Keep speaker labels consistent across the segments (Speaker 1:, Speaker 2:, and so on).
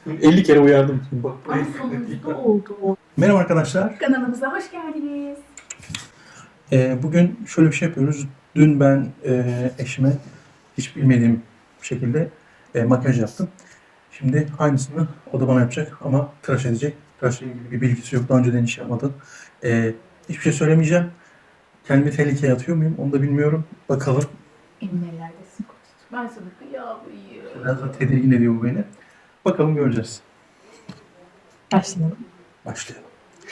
Speaker 1: 50 kere uyardım. Bak,
Speaker 2: Ay sonunda oldu.
Speaker 1: merhaba arkadaşlar.
Speaker 2: Kanalımıza hoş geldiniz.
Speaker 1: Bugün şöyle bir şey yapıyoruz. Dün ben eşime hiç bilmediğim şekilde makyaj yaptım. Şimdi aynısını o da bana yapacak ama tıraş edecek. Tıraşla ilgili bir bilgisi yok. Daha önceden hiç yapmadı. Hiçbir şey söylemeyeceğim. Kendimi tehlikeye atıyor muyum onu da bilmiyorum. Bakalım.
Speaker 2: Emin ellerdesin kocacığım. Ben sana kıyamıyım.
Speaker 1: Biraz da tedirgin ediyor bu beni. Bakalım göreceğiz.
Speaker 2: Başlayalım.
Speaker 1: Başlayalım.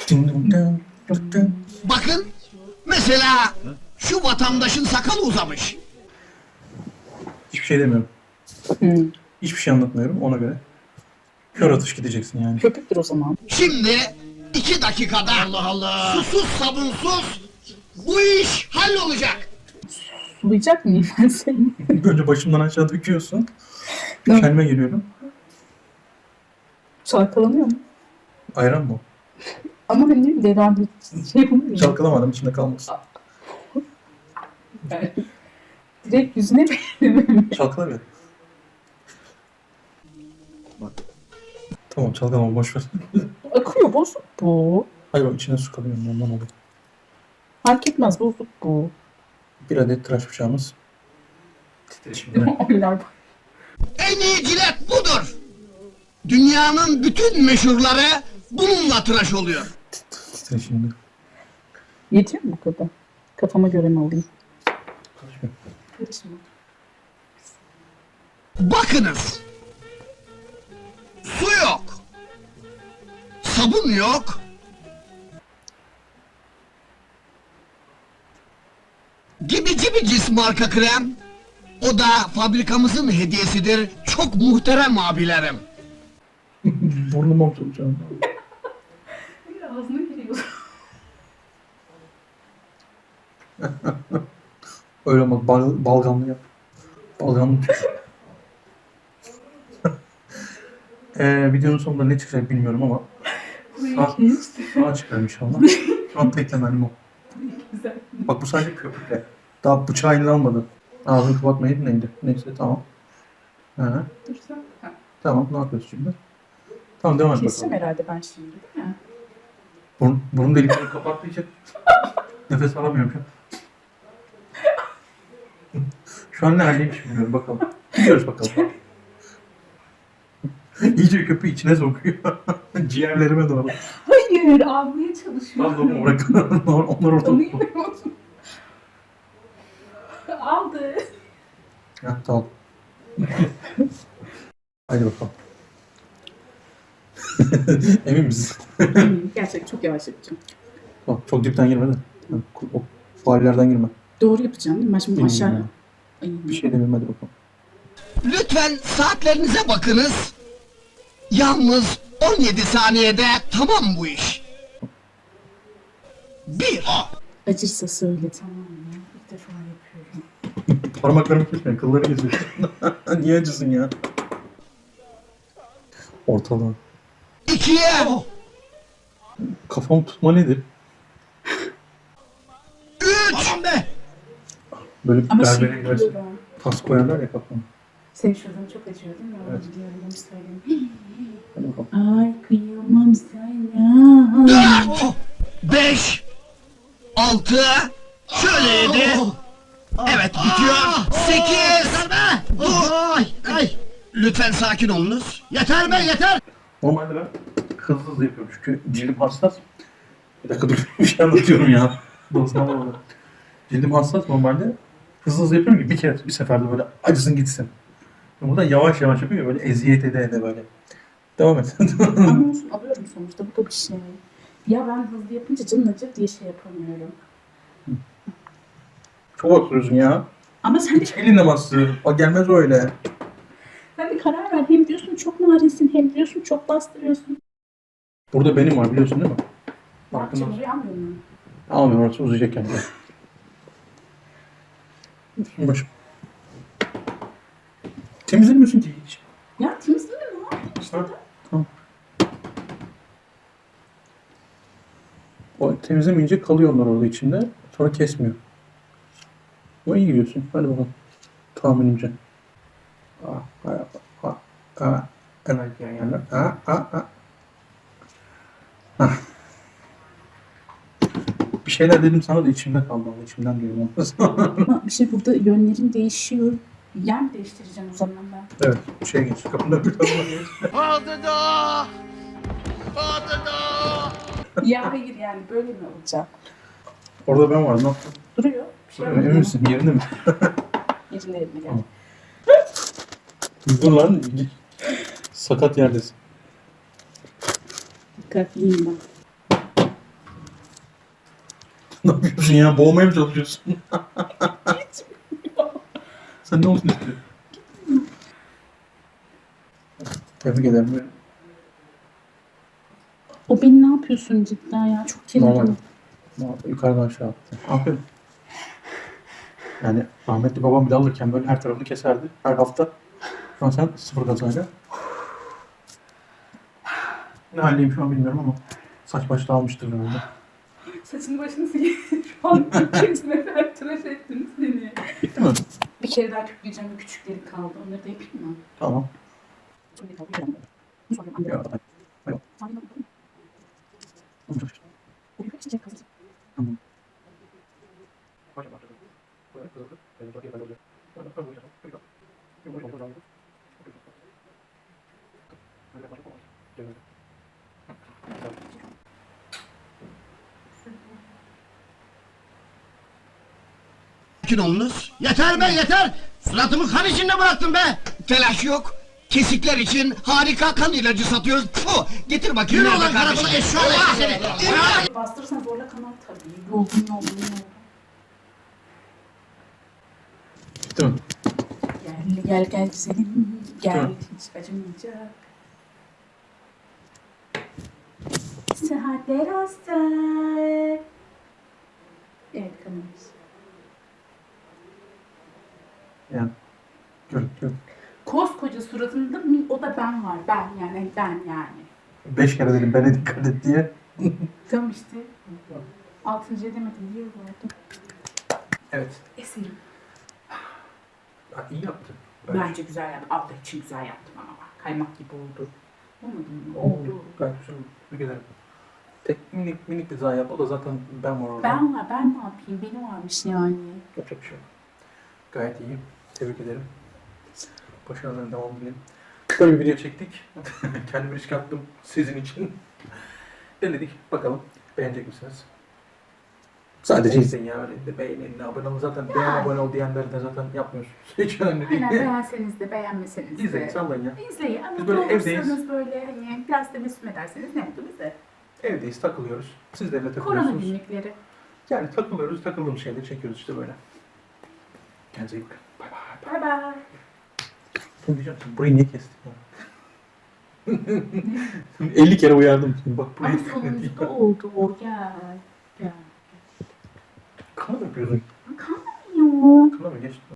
Speaker 3: Bakın mesela şu vatandaşın sakalı uzamış.
Speaker 1: Hiçbir şey demiyorum. Hiçbir şey anlatmıyorum ona göre. Kör atış gideceksin yani.
Speaker 2: Köpüktür o zaman.
Speaker 3: Şimdi 2 dakikada susuz sabunsuz bu iş hallolacak.
Speaker 2: Sulayacak mıyım ben seni?
Speaker 1: Önce başımdan aşağı döküyorsun.
Speaker 2: Evet.
Speaker 1: Kendime geliyorum.
Speaker 2: Çalkalanıyor mu?
Speaker 1: Ayran mı?
Speaker 2: Ama hani devamlı şey yapamıyorum.
Speaker 1: Çalkalamadım içinde kalmasın.
Speaker 2: Direkt yüzüne benim.
Speaker 1: Çalkala bir. Bak. Tamam çalkalama boş ver.
Speaker 2: Akıyor bozuk bu.
Speaker 1: Hayır o içine su kalıyor ondan oluyor.
Speaker 2: Fark etmez bozuk bu.
Speaker 1: Bir adet tıraş bıçağımız. Titreşimde.
Speaker 2: Oynar bak.
Speaker 3: En iyi cilet budur. Dünyanın bütün meşhurları bununla tıraş oluyor.
Speaker 1: Titreşimde.
Speaker 2: Yetiyor mu bu kadar? Kafama göre mi alayım?
Speaker 1: Karışmıyor.
Speaker 2: Karışma.
Speaker 3: Bakınız. Su yok. Sabun yok. Gibi marka krem. O da fabrikamızın hediyesidir. Çok muhterem abilerim.
Speaker 1: Burnuma oturacağım.
Speaker 2: Ağzına giriyor.
Speaker 1: Öyle ama balgamlı yap. Balgamlı tut. Videonun sonunda ne çıkacak bilmiyorum ama sağ çıkar inşallah. Şu an teklemenim o.
Speaker 2: Güzel.
Speaker 1: Bak bu sadece köpükle. Daha bıçağı eline almadı. Ağzını kapatmayı neydi? Neyse tamam. Ha,
Speaker 2: Dursan. Ha.
Speaker 1: tamam ne yapıyoruz şimdi? Tamam devam et
Speaker 2: Keseceğim
Speaker 1: bakalım.
Speaker 2: herhalde ben şimdi değil mi?
Speaker 1: Burun deliklerini kapattığı için nefes alamıyorum şu an. Şu an neredeymiş bilmiyorum bakalım. Gidiyoruz bakalım. İyice köpüğü içine sokuyor. Ciğerlerime doğru.
Speaker 2: Hayır, almaya çalışıyorum.
Speaker 1: Pardon onlar orada.
Speaker 2: Onu yemiyorum. Aldı.
Speaker 1: Ha, tamam. Haydi bakalım. Emin misin?
Speaker 2: Gerçekten çok yavaş yapacağım.
Speaker 1: Tamam, çok dipten girme de. O faullerden girme.
Speaker 2: Doğru yapacağım değil mi? Ben şimdi
Speaker 1: Bilmiyorum
Speaker 2: aşağı...
Speaker 1: ya.
Speaker 2: Ay,
Speaker 1: Bir şey demiyorum hadi bakalım.
Speaker 3: Lütfen saatlerinize bakınız. Yalnız 17 saniyede tamam bu iş. 1.
Speaker 2: acırsa söyle tamam mı? İlk defa yapıyorum.
Speaker 1: Parmaklarımı kesmeyin, kılları geziyor. Niye acısın ya? Ortalığa.
Speaker 3: 2'ye.
Speaker 1: Kafam tutma nedir?
Speaker 3: 3. Tamam be.
Speaker 1: Böyle bir
Speaker 2: Ama
Speaker 1: berbere
Speaker 2: şimdi
Speaker 1: gidersin.
Speaker 2: biliyorum.
Speaker 1: Tas koyarlar ya kafama.
Speaker 2: Senin şuradan çok acıyor değil mi?
Speaker 1: Evet.
Speaker 2: Biliyorum onu söyleyeyim.
Speaker 1: Hadi bakalım.
Speaker 2: Ay kıyamam sana.
Speaker 3: 4. 5. 6. Şöyle 7. Evet bitiyor. 8. Dur. Lütfen sakin olunuz. Yeter be yeter.
Speaker 1: Normalde ben hızlı yapıyorum çünkü cildim hassas. Bir dakika dur bir şey anlatıyorum ya. Bozma. Cildim hassas normalde hızlı yapıyorum ki bir seferde böyle acısın gitsin. Burada yavaş yavaş yapıyor böyle eziyet ede böyle. Devam et.
Speaker 2: Ama olsun alıyorum sonuçta bu da bir şey. Ya ben hızlı yapınca canın acır diye şey yapamıyorum.
Speaker 1: Çok oturuyorsun ya.
Speaker 2: Ama sen de,
Speaker 1: Elinle bastır. O gelmez öyle.
Speaker 2: sen de karar ver. Hem diyorsun çok narinsin hem diyorsun çok bastırıyorsun.
Speaker 1: Burada benim var biliyorsun değil mi?
Speaker 2: Ne yapacağım
Speaker 1: Farkında.
Speaker 2: oraya almıyor muyum?
Speaker 1: Almıyorum orası uzayacak kendi. Başım. Temizlemiyorsun ki hiç.
Speaker 2: Ya temizliğinde ne yapayım işte?
Speaker 1: Ha, tamam. O temizlemeyince kalıyor onlar orada içinde. Sonra kesmiyor. O iyi gidiyorsun. Hadi bakalım. Tahminimce. Ah, ah, ah, ah. En acıyan yerler. Ha, ha, ha. Hah. Bir şeyler dedim sana da içimde kaldı. Ama içimden diyorum.
Speaker 2: Ama bir şey burada yönlerim değişiyor. Yer mi değiştireceğim o zaman ben?
Speaker 1: Evet. Şey geç. Kapında bir kapına geç.
Speaker 2: Ya hayır yani böyle mi olacak?
Speaker 1: Orada ben varım. Ne yaptın?
Speaker 2: Duruyor. Bir şey
Speaker 1: Emin
Speaker 2: yapmadım.
Speaker 1: misin? Yerinde mi?
Speaker 2: Yerine yerine gel.
Speaker 1: Tamam. Dur lan. Sakat yerdesin.
Speaker 2: Dikkatliyim ben.
Speaker 1: Ne yapıyorsun ya? Boğmaya mı çalışıyorsun? Sen ne olsun istiyorsun? Tebrik ederim.
Speaker 2: O beni ne yapıyorsun cidden ya? Çok
Speaker 1: Normal.
Speaker 2: kirli.
Speaker 1: Yukarıdan aşağı attı. Aferin. Yani rahmetli babam bile alırken böyle her tarafını keserdi. Her hafta. Şu an sen sıfır gazayla. Ne haldeyim şu an bilmiyorum ama saç baş dağılmıştır herhalde.
Speaker 2: Saçını başını silin. Şu an ikinci sefer tıraş ettiniz beni.
Speaker 1: Bitti mi?
Speaker 2: Bir kere daha küpleyeceğim. Küçükleri kaldı. Onları da yapayım mı?
Speaker 1: Tamam.
Speaker 2: Sonra kaldı. Bu sonra anne.
Speaker 1: Ya, hayır.
Speaker 2: Sonra da
Speaker 1: Tamam.
Speaker 2: bu bir çiçek hazır.
Speaker 1: Tamam.
Speaker 3: Sakin olunuz. Yeter be yeter. Suratımı kan içinde bıraktın be. Telaş yok. Kesikler için harika kan ilacı satıyoruz. Puh, getir bakayım. Yürü olan karakola eşşoğlu seni.
Speaker 2: Bastırırsan zorla kanar tabii. Yorgun.
Speaker 1: Bitti mi?
Speaker 2: Gel güzelim. Gel
Speaker 1: Tamam.
Speaker 2: hiç acımayacak. Sıhhatler olsun. Evet kanalımız.
Speaker 1: Yani. Gör.
Speaker 2: Koskoca suratında o da ben var. Ben yani.
Speaker 1: 5 kere dedim bana dikkat et diye.
Speaker 2: Tamam işte. Altıncı edemedim diye oldu.
Speaker 1: Evet.
Speaker 2: Eserim.
Speaker 1: Ha, iyi yaptın.
Speaker 2: Bence güzel yaptım. Allah için güzel yaptım ama bak. Kaymak gibi oldu. Olmadı mı?
Speaker 1: Oldu. Gayet güzel oldu. Tebrik ederim. Tek minik bir daha yap. O da zaten ben var orada.
Speaker 2: Ben ne yapayım? Benim varmış yani.
Speaker 1: Yapacak bir şey yok. Gayet iyi. Tebrik ederim. Başarıların devamı dilerim. Kısa bir video çektik. Kendimi riske attım sizin için. Denedik. Bakalım beğenecek misiniz? Sadece izleyin ya. Öyle de beğenin, abone olun. Zaten beğen, abone ol diyenleri de zaten yapmıyorsunuz. Hiç önemli değil.
Speaker 2: Aynen beğenseniz de beğenmeseniz de.
Speaker 1: İzleyin, sallayın ya.
Speaker 2: İzleyin ama
Speaker 1: Biz böyle
Speaker 2: olursanız
Speaker 1: evdeyiz.
Speaker 2: böyle hani biraz da mesut ederseniz ne mutlu bize.
Speaker 1: Evdeyiz, takılıyoruz. Sizlerle
Speaker 2: Korona
Speaker 1: takılıyorsunuz.
Speaker 2: günlükleri.
Speaker 1: Yani takılıyoruz, takıldığımız şeyleri çekiyoruz işte böyle. Kendinize iyi bakın. Bay bay.
Speaker 2: Bay bay.
Speaker 1: Ne diyeceğim sen? Burayı niye kestin ya? 50 kere uyardım seni. Bak
Speaker 2: Ama
Speaker 1: burayı
Speaker 2: sonunda oldu o gel.
Speaker 1: Kana mı yapıyorsun?
Speaker 2: Kalmıyor.
Speaker 1: Kana mı geçti?